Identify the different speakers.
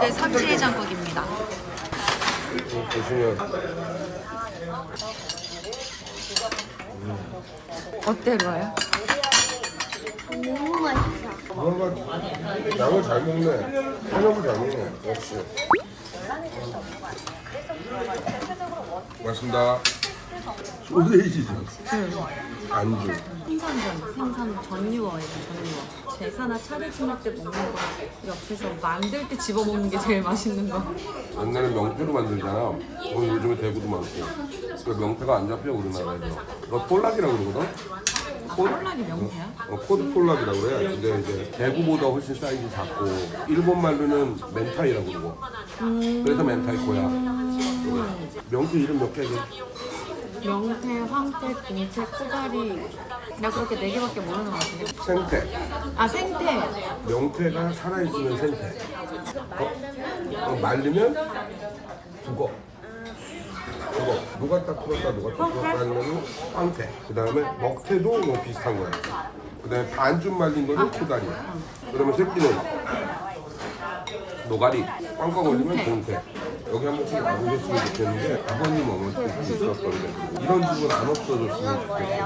Speaker 1: 서울대 삼치해장국입니다.
Speaker 2: 보시면
Speaker 1: 어때, 루아야?
Speaker 3: 너무 맛있어.
Speaker 2: 뭔가 양을 잘 먹네. 한약을 잘 먹네. 역시. 맛있습니다. 소세지죠. 안주.
Speaker 1: 생선 전유어예요, 전유어. 제사나 차례 지낼 때 먹는 거 옆에서 만들 때 집어먹는 게 제일 맛있는 거.
Speaker 2: 옛날에 명태로 만들잖아. 요즘에 대구도 많고. 그 명태가 안 잡혀 우리나라에서. 그거 폴락이라고 그러거든.
Speaker 1: 콜라기 명태야?
Speaker 2: 코드 폴락이라고 그래. 근데 이제 대구보다 훨씬 사이즈 작고 일본 말로는 멘타이라고 그러고. 그래서 멘타이코야. 명태 이름 몇 개지?
Speaker 1: 명태, 황태, 공태, 코다리. 나 그렇게 4개밖에 모르는 것 같은데.
Speaker 2: 생태.
Speaker 1: 아, 생태.
Speaker 2: 명태가 살아있으면 생태. 말리면 죽어. 녹았다 풀었다 하면 황태. 그 다음에 먹태도 뭐 비슷한 거야. 그 다음에 반쯤 말린 거는 코다리야. 그러면 새끼는 노가리. 꽝꽝 올리면 공태. 여기 한 번씩 와보셨으면 좋겠는데 아버님 어머니도 있었던데 이런 집은 안 없어졌으면 좋겠어요.